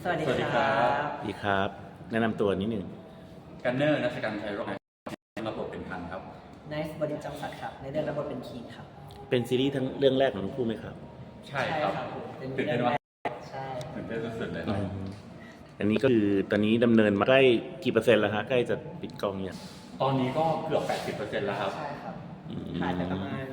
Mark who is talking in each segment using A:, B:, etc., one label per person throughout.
A: สวัสดีครั
B: สวัสดีครับ
A: บ
C: ดีครับแนะนำตัวนิดหนึ่ง
B: กันเนอร์นัชกันชัยโรจน์รับบทเป็นพันครับ
A: ไนซ์บริจงศักดิ์ครับในเรื่องรับบทเป็นคีนครับ
C: เป็นซีรีส์ทั้งเรื่องแรกของทั้งคู่ไหมครับ
B: ใช่ครับ
A: ผมเป็น
B: ตื่นเต้นว่า
A: ใช่
B: ตื่นเต้นสุดๆเลย
C: อันนี้ก็คือตอนนี้ดำเนินมาใกล้กี่เปอร์เซ็นต์แล้วฮะใกล้จะปิดกล้องเนี่ย
B: ตอนนี้ก็เกือบ 80%แล้วครับ
A: ใช่ครับถ่ายไปประมาณ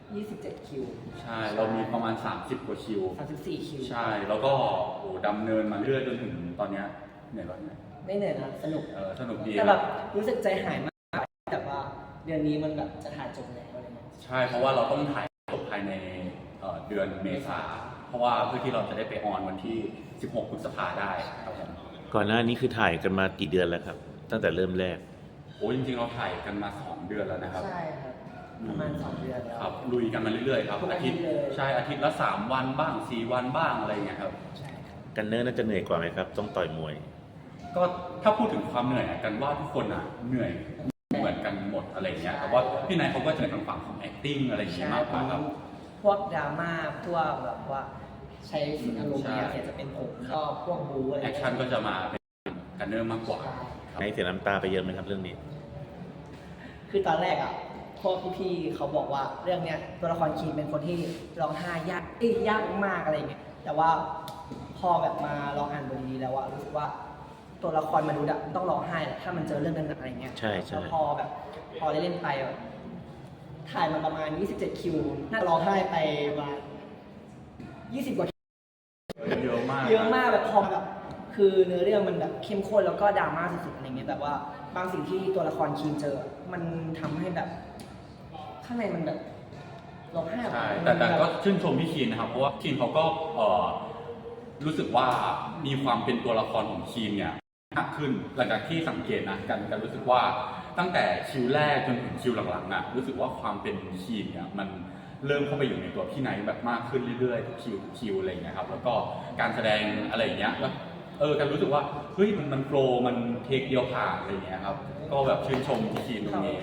A: 27คิว
B: ใช่เรามีประมาณ30กว่าคิว
A: 34คิว
B: ใช่แล้วก็โอ้ดำเนินมาเรื่อยจนถึงตอนเนี้ยเหนื่อยร้อนไหม
A: ไม่เหนื่อยนะสนุก
B: สนุกดี
A: แต่แบบรู้สึกใจหายมากแต่ว่าเดือนนี้มันแบบจะถ่ายจบแล้วอะไรเงี้ย
B: ใช่เพราะว่าเราต้องถ่ายจบภายในเดือนเมษาเพราะว่าเพื่อที่เราจะได้ไปออนวันที่16พฤษภาได้ครับผม
C: ก่อนหน้านี้คือถ่ายกันมากี่เดือนแล้วครับตั้งแต่เริ่มแรก
B: โอ้จริงๆเราถ่ายกันมา2 เดือนแล้วนะครับ
A: ใช่ครับประมาณ2 เดือนแล้ว
B: ครับลุยกันมาเรื่อยๆครับอาทิตย์ใช่อาทิตย์ละ3 วันบ้าง4 วันบ้างอะไรเงี้ยครับ
A: ใช่ครับ
C: กันเนอร์น่าจะเหนื่อยกว่าไหมครับต้องต่อยมวย
B: ก็ถ้าพูดถึงความเหนื่อยกันว่าทุกคนเหนื่อยเหมือนกันหมดอะไรเงี้ยแต่ว่าพี่นายเขาก็จะในทางฝั่งของ acting อะไรอย่างเงี้ยมากกว่าครับ
A: พวกดราม่าพวกแบบว่าใช้อารมณ์เนี่ยจะเป็นผมก็พวกบูอะไร
B: แอคชั่นก็จะมาเป็นกันเนอร์มากกว่า
C: ให้เสียน้ำตาไปเยอะไหมครับเรื่องนี้
A: คือตอนแรกอ่ะพวกพี่ๆเขาบอกว่าเรื่องเนี้ยตัวละครคีนเป็นคนที่ร้องไห้ยากมากอะไรเงี้ยแต่ว่าพอแบบมาลองอ่านบทนี้แล้วว่ารู้สึกว่าตัวละครมนุษย์อะต้องร้องไห้แหละถ้ามันเจอเรื่องนั้นอะไรเงี้ย
C: ใช่
A: แล้วพอได้เล่นไปแบบถ่ายมาประมาณ27คิวน่าร้องไห้ไปประมาณ20 กว่า
B: เยอะมาก
A: แบบพอแบบคือเนื้อเรื่องมันแบบเข้มข้นแล้วก็ดราม่าสุดๆอะไรเงี้ยแบบว่าบางสิ่งที่ตัวละครคีนเจอมันทำให้แบบข้างในมันแบบร้องไห้
B: ใช่แต่ก็ชื่นชมพี่คีนนะครับเพราะว่าคีนเขาก็รู้สึกว่ามีความเป็นตัวละครของคีนเนี่ยมากขึ้นหลังจากที่สังเกตนะกันรู้สึกว่าตั้งแต่คิวแรกจนถึงคิวหลังๆน่ะรู้สึกว่าความเป็นคีนเนี่ยมันเริ่มเข้าไปอยู่ในตัวพี่ไนท์แบบมากขึ้นเรื่อยๆทุกคิวอะไรอย่างเงี้ยครับแล้วก็การแสดงอะไรอย่างเงี้ยแล้วกันรู้สึกว่าเฮ้ยมันโปรมันเทคเดียวผ่านอะไรอย่างเงี้ยครับก็แบบชื่นชมพี่คีนตรงนี้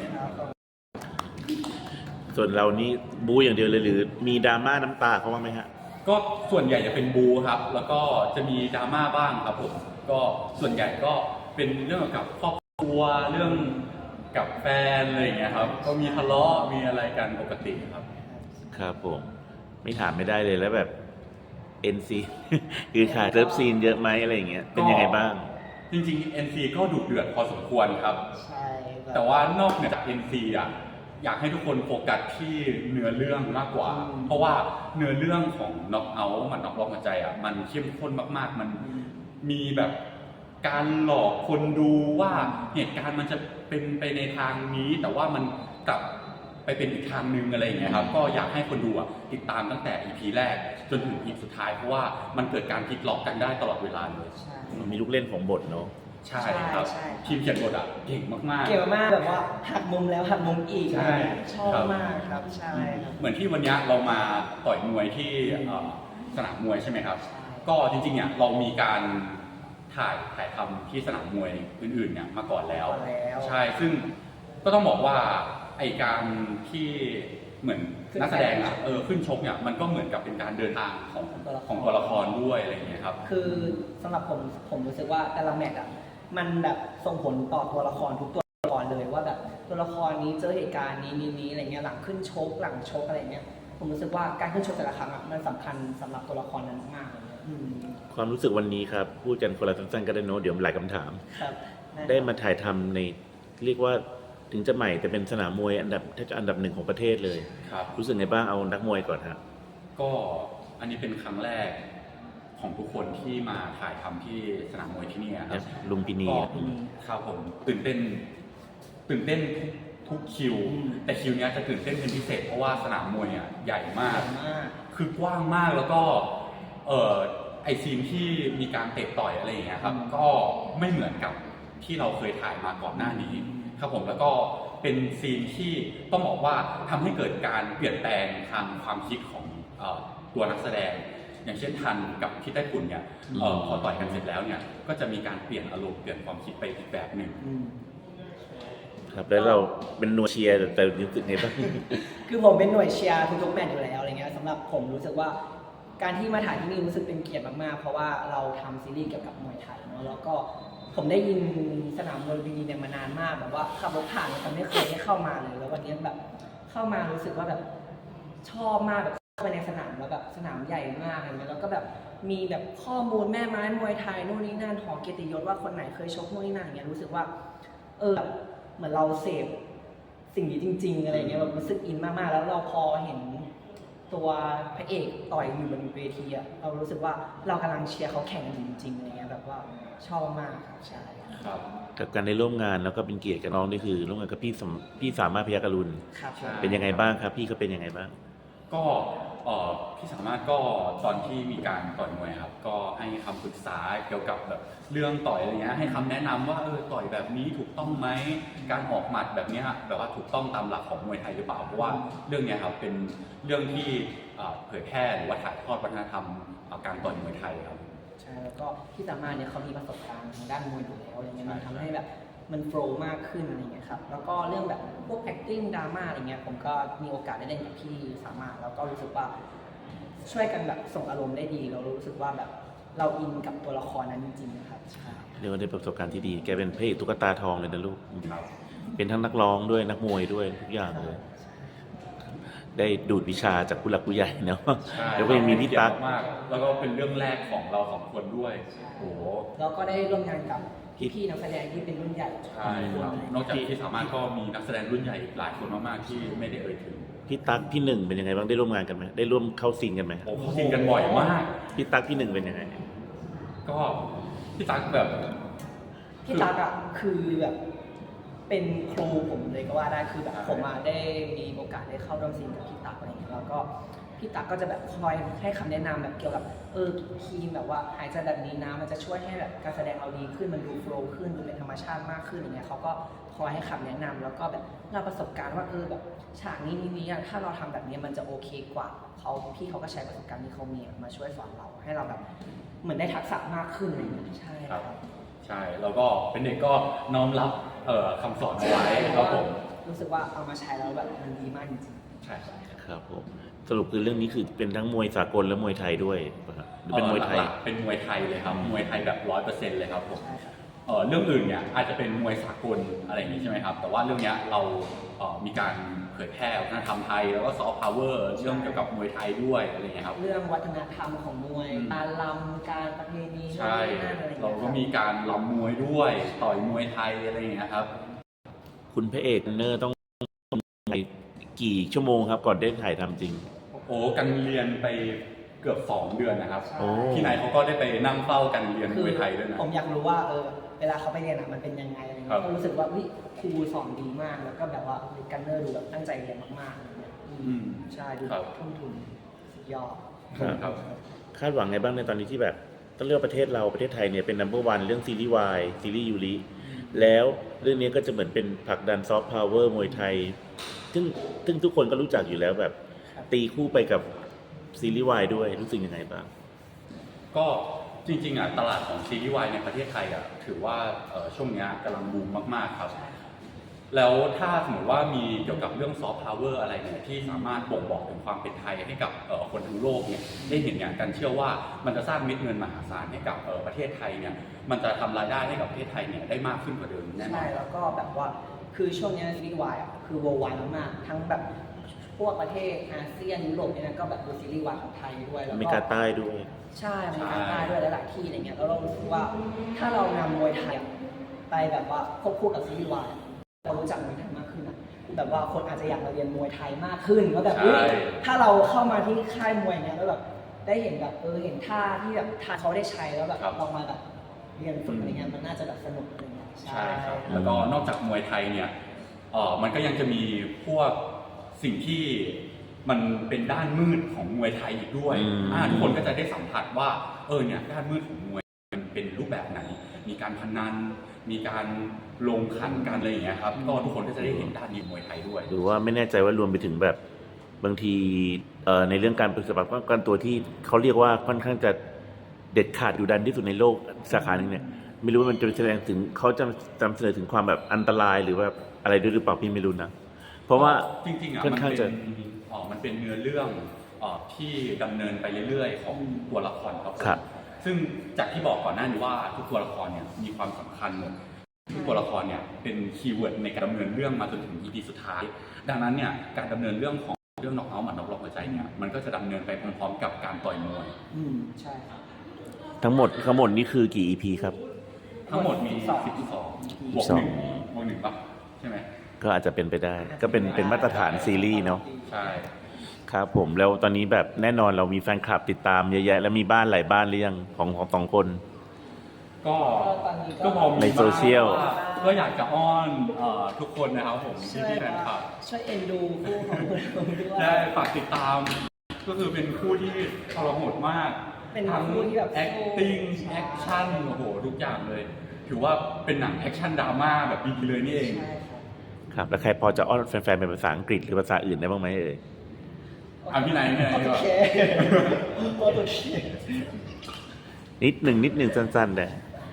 C: ส่วนเรานี่บู๊อย่างเดียวเลยหรือมีดราม่าน้ำตาเขาบ้างไหมฮะ
B: ก็ส่วนใหญ่จะเป็นบูครับแล้วก็จะมีดราม่าบ้างครับผมก็ส่วนใหญ่ก็เป็นเรื่องกับครอบครัวเรื่องกับแฟนอะไรอย่างเงี้ยครับก็มีทะเลาะมีอะไรกันปกติครับ
C: ครับผมไม่ถามไม่ได้เลยแล้วแบบ NC คือขาดเลิฟซีนเยอะไหมอะไรอย่างเงี้ยเป็นยังไงบ้าง
B: จริงๆ NC ก็ดุเดือดพอสมควรครับ
A: ใช่
B: แต่ว่านอกเหนือจาก NC อ่ะอยากให้ทุกคนโฟกัสที่เนื้อเรื่องมากกว่าเพราะว่าเนื้อเรื่องของ Knock Out มันน็อกล็อกหัวใจอ่ะมันเข้มข้นมากๆมันมีแบบการหลอกคนดูว่าเหตุการณ์มันจะเป็นไปในทางนี้แต่ว่ามันกลับไปเป็นอีกทางนึงอะไรอย่างเงี้ยครับก็อยากให้คนดูติดตามตั้งแต่ EP แรกจนถึง EP สุดท้ายเพราะว่ามันเกิดการพลิกล็อกกันได้ตลอดเวลาเลย
C: มีลูกเล่นของบทเนาะ
B: ใช่ครับทีมเขียนบทเก่งมากๆ
A: เก่งมากแบบว่าหักมุมแล้วหักมุมอีกชอบมากครับใช่
B: เหมือนที่วันนี้เรามาต่อยมวยที่สนามมวยใช่ไหมครับก็จริงๆเนี่ยเรามีการถ่ายทำที่สนามมวยอื่นๆเนี่ยมาก่อนแล้วใช่ซึ่งก็ต้องบอกว่าไอการที่เหมือนนักแสดงขึ้นชกเนี่ยมันก็เหมือนกับเป็นการเดินทางของตัวละครด้วยอะไรอย่างเงี้ยครับ
A: คือสำหรับผมรู้สึกว่าแต่ละแมตช์มันแบบส่งผลต่อตัวละครทุกตัวละครเลยว่าแบบตัวละครนี้เจอเหตุการณ์นี้อะไรเงี้ยหลังขึ้นชกหลังชกอะไรเงี้ยผมรู้สึกว่าการขึ้นชกแต่ละครั้งมันสำคัญสำหรับตัวละครนั้นมากเลย
C: ความรู้สึกวันนี้ครับพูดกันคนละสั้นๆก็ได้โน้ตเดี๋ยวหลายคำถามได้มาถ่ายทำในเรียกว่าถึงจะใหม่แต่เป็นสนามมวยอันดับ1ของประเทศเลยรู้สึกไงบ้างเอานักมวยก่อนครับ
B: ก็อันนี้เป็นครั้งแรกของทุกคนที่มาถ่ายทำที่สนามมวยที่นี่ครับ
C: ลุมพินี
B: ครับผมตื่นเต้นทุกคิวแต่คิวนี้จะตื่นเต้นเป็นพิเศษเพราะว่าสนามมวยใหญ่มากคือกว้างมากแล้วก็ไอซีนที่มีการเตะต่อยอะไรอย่างเงี้ยครับก็ไม่เหมือนกับที่เราเคยถ่ายมาก่อนหน้านี้ครับผมแล้วก็เป็นซีนที่ต้องบอกว่าทำให้เกิดการเปลี่ยนแปลงทางความคิดของตัวนักแสดงอย่างเช่นทันกับพี่ไต้ฝุ่นเนี่ยพอต่อยกันเสร็จแล้วเนี่ยก็จะมีการเปลี่ยนอารมณ์เปลี่ยนความคิดไปอีกแบบหนึ่ง
C: ครับแล้วเราเป็นหน่วยเชียร์แต่รู้สึกไงบ้าง
A: คือผมเป็นหน่วยเชียร์ทุกๆแมตช์อยู่แล้วอะไรเงี้ยสำหรับผมรู้สึกว่าการที่มาถ่ายที่นี่รู้สึกเป็นเกียรติมากๆเพราะว่าเราทำซีรีส์เกี่ยวกับมวยไทยเนาะแล้วก็ผมได้ยินสนามมวยลุมพินีเนี่ยมานานมากแบบว่าขับรถผ่านแต่ไม่เคยได้เข้ามาเลยแล้ววันนี้แบบเข้ามารู้สึกว่าแบบชอบมากแบบเข้าไปในสนามแล้วแบบสนามใหญ่มากอะไรเงี้ยแล้วก็แบบมีแบบข้อมูลแม่ไม้มวยไทยนู่นนี่นั่นหอเกียรติยศว่าคนไหนเคยชกนู่นนี่นั่นอย่างเงี้ยรู้สึกว่าแบบเหมือนเราเสพสิ่งนี้จริงๆอะไรเงี้ยแบบรู้สึกอินมากๆแล้วเราพอเห็นตัวพระเอกต่อยอยู่บนเวทีอะเรารู้สึกว่าเรากำลังเชียร์เขาแข่งกันจริงๆอะไรเงี้ยแบบว่าชอบมากครับใช่
B: ครับ
C: กับการได้ร่วมงานแล้วก็เป็นเกียรติกับน้องนี่คือร่วมงานกับพี่สามารถพยัคฆรุณ
A: ครับ
B: ใช่
C: เป็นยังไงบ้างครับพี่เขาเป็นยังไงบ้าง
B: ก็พี่สามารถก็ตอนที่มีการต่อยมวยครับก็ให้คำปรึกษาเกี่ยวกับแบบเรื่องต่อยอะไรเงี้ยให้คำแนะนำว่าต่อยแบบนี้ถูกต้องไหมการออกหมัดแบบเนี้ยแบบว่าถูกต้องตามหลักของมวยไทยหรือเปล่าเพราะว่าเรื่องเนี้ยครับเป็นเรื่องที่เผยแพร่หรือว่าถ่ายทอดวัฒนธรรมการต่อยมวยไทยครับ
A: ใช่แล้วก็พี่สามารถเนี่ยเขามีประสบการณ์ทางด้านมวยอยู่แล้วอะไรเงี้ยมันทำให้แบบมันโฟล์มากขึ้นอะไรเงี้ยครับแล้วก็เรื่องแบบพวก acting ดราม่าอะไรเงี้ยผมก็มีโอกาสได้เล่นกับพี่สามารถแล้วก็รู้สึกว่าช่วยกันแบบส่งอารมณ์ได้ดีเรารู้สึกว่าแบบเราอินกับตัวละครนั้นจริงๆนะครับใช่
C: เรียกว่าได้ประสบการณ์ที่ดีแกเป็นพระเอกตุ๊กตาทองเลยนะลูก
B: ครับ
C: เป็นทั้งนักร้องด้วยนักมวยด้วยทุกอย่างเลย ได้ดูดวิชาจากผู้หลักผู้ใหญ่เนาะ
B: ใช่
C: แล้วก็ยังมีพี่ตั๊ก
B: มากแล้วก็เป็นเรื่องแรกของเราสองคนด้วยโอ้โห
A: แล้วก็ได้ร่วมงานกับพี่ๆนักแสดงที่เป็นรุ่นใหญ่
B: ใช่ครับนอกจากที่สามารถก็มีนักแสดงรุ่นใหญ่อีกหลายคนมากๆที่ไม่ได้เอ่ยถึง
C: พี่ตั๊กพี่หนึ่งเป็นยังไงบ้างได้ร่วมงานกันไหมได้ร่วมเข้าซีนกันไหม
B: โอ้เขาซิงกันบ่อยมาก
C: พี่ตั๊กพี่หนึ่งเป็นยังไง
B: ก็พี่ตั๊กแบบ
A: พี่ตั๊กอ่ะคือแบบเป็นครูผมเลยก็ว่าได้คือแบบผมมาได้มีโอกาสได้เข้าร่วมซีนกับพี่ตั๊กอะไรอย่างเงี้ยแล้วก็พี่ตั๊กก็จะแบบคอยให้คำแนะนำแบบเกี่ยวกับทีมแบบว่าหายใจแบบนี้นะมันจะช่วยให้แบบการแสดงเราดีขึ้นมันดูโฟล์ขึ้นดูเป็นธรรมชาติมากขึ้นอย่างเงี้ยเขาก็คอยให้คำแนะนำแล้วก็แบบเราประสบการณ์ว่าแบบฉากนี้อะถ้าเราทำแบบนี้มันจะโอเคกว่าพี่เขาก็ใช้ประสบการณ์ที่เขามีมาช่วยสอนเราให้เราแบบเหมือนได้ทักษะมากขึ้นอะไรอย่างเงี้ยใช่
B: ครับใช่แล้วก็เป็นเด็กก็น้อมรับคำสอนเอาไว้ครับผม
A: รู้สึกว่าเอามาใช้แล้วแบบมันดีมากจริง
B: ใช่ครับ
C: ครับผมสรุปคือเรื่องนี้คือเป็นทั้งมวยสากลและมวยไทยด้วยป่ะครับหรือเป็นมวยไทย
B: หลักๆเป็นมวยไทยเลยครับมวยไทยแบบ100%เลยครับผม
A: ใช่ครับ
B: เรื่องอื่นเนี่ยอาจจะเป็นมวยสากลอะไรอย่างนี้ใช่ไหมครับแต่ว่าเรื่องเนี้ยเรามีการเผยแพร่วัฒนธรรมไทยแล้วก็ซอฟต์พาวเวอร์เรื่องเกี่ยวกับมวยไทยด้วยอะไรอย่างเงี้ยครับ
A: เรื่องวัฒนธรรมของมวยการลำการประเพณี
B: ใช่
A: นู่นนี่นั่นอะไรอย่าง
B: เรา
A: เงี้ย
B: ก็มีการรำมวยด้วยต่อยมวยไทยอะไรอย่างเงี้ยครับ
C: คุณพระเอกเนอร์ต้องไปกี่ชั่วโมงครับ ก่อนได้ถ่ายทำจริง
B: โอ้กันเรียนไปเกือบ2 เดือนนะครับ
C: โอ้
B: ที่ไหนเขาก็ได้ไปนั่งเฝ้ากันเรียนมวยไทยด้วยนะ
A: ผมอยากรู้ว่าเวลาเขาไปเรียนมันเป็นยังไงอะไรเงี้
B: ครั
A: ย
B: บ
A: ก็รู้สึกว่าครูสอนดีมากแล้วก็แบบว่ากันเนอร์ดูแบบตั้งใจเรียนมากๆอะไรเงี้ยใช่ดู
B: ครับ
A: ทุ่มทุนสุดยอด
B: ครับ
C: คาดหวังไงบ้างในตอนนี้ที่แบบต้องเลือกประเทศเราประเทศไทยเนี่ยเป็น number one เรื่องซีรีส์วายซีรีส์ยูริแล้วเรื่องนี้ก็จะเหมือนเป็นผลักดันซอฟต์พาวเวอร์มวยไทยซึ่งทุกคนก็รู้จักอยู่แล้วแบบ
A: ครับ
C: ตีคู่ไปกับซีรีส์วายด้วยรู้สึกยังไงบ้าง
B: ก็จริงๆตลาดของซีรีส์วายในประเทศไทยถือว่าช่วงนี้กำลังบูมมากๆครับ แล้วถ้าสมมติว่ามีเกี่ยวกับเรื่องซอฟต์พาวเวอร์อะไรเนี่ยที่สามารถบ่งบอกถึงความเป็นไทยให้กับคนทั้งโลกเนี่ยได้เห็นอย่างกันเชื่อว่ามันจะสร้างเม็ดเงินมหาศาลให้กับประเทศไทยเนี่ยมันจะทำรายได้ให้กับประเทศไทยเนี่ยได้มากขึ้นกว่าเดิมแน่นอ
A: ใช่
B: น
A: แล้วก็แบบว่าคือช่วงนี้ซีรีส์วายคือ worldwide มากๆทั้งแบบพวกประเทศอาเซียนยุโรปเนี่ยนะก็แบบดูซีรีส์วายของไทยด้วยแล้ว
C: อเมริ
A: ก็
C: กาใต้ด้วย
A: ใช่อเมริกาใต้ด้วยหลายๆที่อะไรเงี้ยแล้วเรารู้สึกว่าถ้าเรานำมวยไทยไปแบบว่าควบคู่กับซีรีส์วายเรารู้จักมวยไทยมากขึ้นอะแบบว่าคนอาจจะอยากมาเรียนมวยไทยมากขึ้นแล้วแบบ
B: ใช่
A: ถ้าเราเข้ามาที่ค่ายมวยเนี่ยแล้วแบบได้เห็นแบบเห็นท่าที่แบบท่าเขาได้ใช้แล้วแบบลองมาแบบเรียนฝึกอะไรเงี้ยมันน่าจะแบบสนุกอะไรเงี้ย
B: ใช่ครับแล้วก็นอกจากมวยไทยเนี่ยมันก็ยังจะมีพวกสิ่งที่มันเป็นด้านมืดของมวยไทยอีกด้วย ทุกคนก็จะได้สัมผัสว่าเนี่ยด้านมืดของมวยมันเป็นรูปแบบไหน มีการพนันมีการลงขันกันอะไรอย่างเงี้ยครับก็ทุกคนก็จะได้เห็นด้านนี้มวยไทยด้วย
C: หรือว่าไม่แน่ใจว่ารวมไปถึงแบบบางทีในเรื่องการปฏิบัติป้องกันตัวที่เขาเรียกว่าค่อนข้างจะเด็ดขาดดุดันที่สุดในโลกสาขาหนึ่งเนี่ยไม่รู้ว่ามันจะแสดงถึงเขาจะนำเสนอถึงความแบบอันตรายหรือว่าอะไรด้วยหรือเปล่าพี่ไม่รู้นะเพราะว่า
B: จริงๆ
C: ค่อนข้างจะ
B: มันเป็นเนื้อเรื่องที่ดำเนินไปเรื่อยๆของตัวละครครับผม
C: ครับ
B: ซึ่งจากที่บอกก่อนหน้านี้ว่าทุกตัวละครเนี่ยมีความสำคัญหมดทุกตัวละครเนี่ยเป็นคีย์เวิร์ดในการดำเนินเรื่องมาจนถึง EP สุดท้าย ดังนั้นเนี่ยการดำเนินเรื่องของเรื่องน็อกเอาท์หมัดน็อกล็อกหัวใจเนี่ยมันก็จะดำเนินไปพร้อมๆกับการต่อยมวย
A: ใช่ครับ
C: ทั้งหมดนี่คือกี่ EP ครับ
B: ทั้งหมดมี
A: 12
B: 12บวก1ป่ะใช่ไหม
C: ก็อาจจะเป็นไปได้ ก็เป็นมาตรฐานซีรีส์เนาะ
B: ใช่
C: ครับผมแล้วตอนนี้แบบแน่นอนเรามีแฟนคลับติดตามเยอะแยะแล้วมีบ้านหลายบ้านหรือยังของสองคน
B: ก็
A: ตอนนี้ก็
B: ก็พอมี
C: ในโซเชียล
B: บ้างว่าก็อยากจะอ้อนทุกคนนะครับผม
A: ช่วย
B: ที่แฟนคลับ
A: ช่วยเอ็นดูคู่ของผมด้วย
B: ได้ฝากติดตาม ก็คือเป็นคู่ที่ทรหดมาก
A: เป็น
B: ทั้ง
A: คู่ที่แบบ
B: acting action โอ้โหทุกอย่างเลย ถือว่าเป็นหนังแอคชั่นดราม่าแบบดีเลยนี่เอง
A: ใช่ครับ
C: ครับแล้วใครพอจะอ้อนแฟนๆเป็นภาษาอังกฤษหรือภาษาอื่นได้บ้างไหมเอ่ย
B: เอาพี่ไหนพี่ไหนดีกว่า
A: โอเค
C: นิดหนึ่งสั้นๆแต่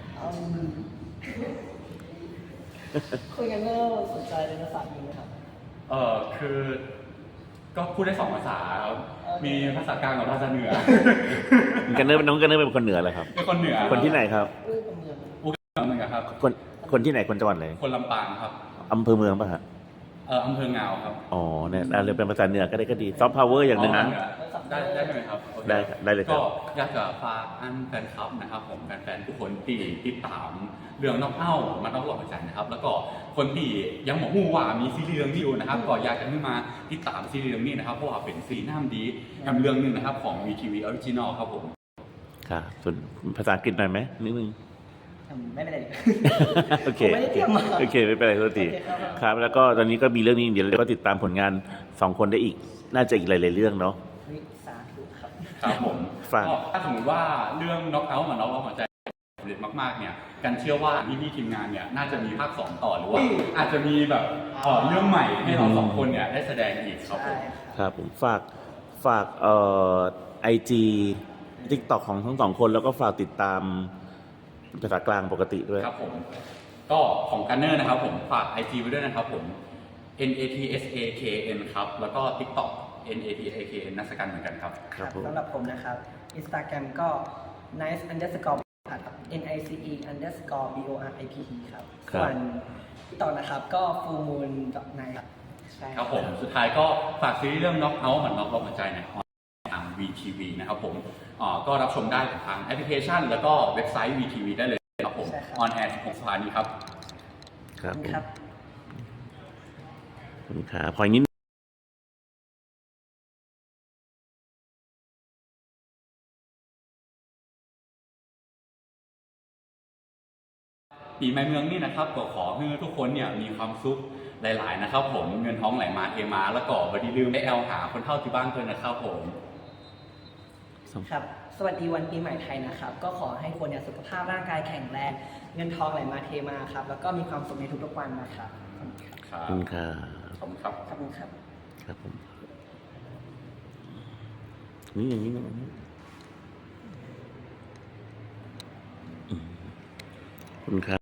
A: คุยกันเมื่อสนใจในภาษาอังกฤษไหมครับ
B: คือก็พูดได้2 ภาษาครับมีภาษากลางกับภาษาเหนือ
C: น้องกันเนอร์เป็นคนเหนือเหรอครับ
B: เป็นคนเหนือ
C: คนที่ไหนครับ
A: อู้กับเมือง
B: อุกเหมือนกันครับ
C: คนที่ไหนคนจังหวัดไหน
B: คนลำปางครับ
C: อำเภอเมืองป่ะฮะ
B: อำเภองาวครับ
C: อ๋อเนี่ยเลยเป็นภาษาเหนือก็ได้ก็ดีซอฟต์พาวเวอร์อย่างหนึ่งนะ
B: ได้ไหมครับโอค
C: ได้เลยครับ
B: ก็อยากจะฝากอันแฟนคลับนะครับผมแฟนๆทุกคนที่ติดตามเรื่องน้องเอ้ามาต้องหลอกใจนะครับ แล้วก็คนที่ยังบอกว่ามีซีรีส์เรื่องนี้อยู่นะครับ ก็อยากจะให้มาติดตามซีรีส์เรื่องนี้นะครับเพราะว่าเป็นซีรีส์น้ำดีกับเรื่องหนึงนะครับของ VTV Original ครับผม
C: ครับส่วนภาษาอังกฤษหน่อยไหมนิดนึง
A: ไม่เป็นไร
C: โอเค
A: ผมไม่ได้เตรียมมา
C: โอเคไม่เป็นไรโทษที
A: โอเคครับ
C: ครับ แล้วก็ตอนนี้ก็มีเรื่องนี้เดี๋ยวเราก็ติดตามผลงาน2 คนได้อีก น่าจะอีกหลายๆเรื่องเนาะ
A: วิสาธุครับ
B: ครับผม
C: ฝาก
B: ก็ถ้าสมมติว่าเรื่องน็อกเอาท์มาน็อกเอาท์หัวใจสำเร็จมากๆเนี่ยกันเชื่อว่าพี่ๆทีมงานเนี่ยน่าจะมีภาค 2 ต่อหรือว่าอาจจะมีแบบเรื่องใหม่ให้เรา2 คนเนี่ยได้แสดงอีกครับผ
A: ใช่
B: ม
C: ครับผมฝากIG TikTok ของทั้ง 2 คนแล้วก็ฝากติดตามภาษากลางปกติด้วย
B: ครับผมก็ของกันเนอร์นะครับผมฝาก IG ไว้ด้วยนะครับผม NATSAKN ครับแล้วก็ TikTok NATSAKN นักสกันเหมือนกันครับ
C: ครับผม
A: สำหรับผมนะครับ Instagram ก็ nice underscore ครับ nice underscore borip ครับ
C: ครับ
A: ส่วนที่ต่อนะครับก็ full moon night ครับใช่
B: ครับผมสุดท้ายก็ฝากซีรีส์เรื่อง Knock Out เหมือน Knock ล็อกหัวใจเนี่ยทาง VTV นะครับผมก็รับชมได้ทางแอปพลิเคชัน แล้วก็เว็บไซต์ VTV ได้เลยครับผม on air 16 สถานีครับ
C: ครับผม
A: ครับ
C: ขอบคุณครับพออย่างนี้
B: ปีใหม่เมืองนี่นะครับก็ขอให้ทุกคนเนี่ยมีความสุขหลาย ๆ นะครับผมเงินท้องไหลมาเทมาแล้วก็บัดดีลืมไปแอลหาคนเท่าที่บ้านเพื่อนนะครับผม
A: ครับ สวัสดีวันปีใหม่ไทยนะครับ ก็ขอให้คนเนี่ยสุขภาพร่างกายแข็งแรง เงินทองไหลมาเทมาครับ แล้วก็มีความสุขในทุกๆวันนะครับ
B: ครั
C: ขอบคุณครับ
B: ขอบคุณครับ
A: ขอบคุณครับ
C: ครับผมนี่อย่างนี้นะอืมขอบคุณครับ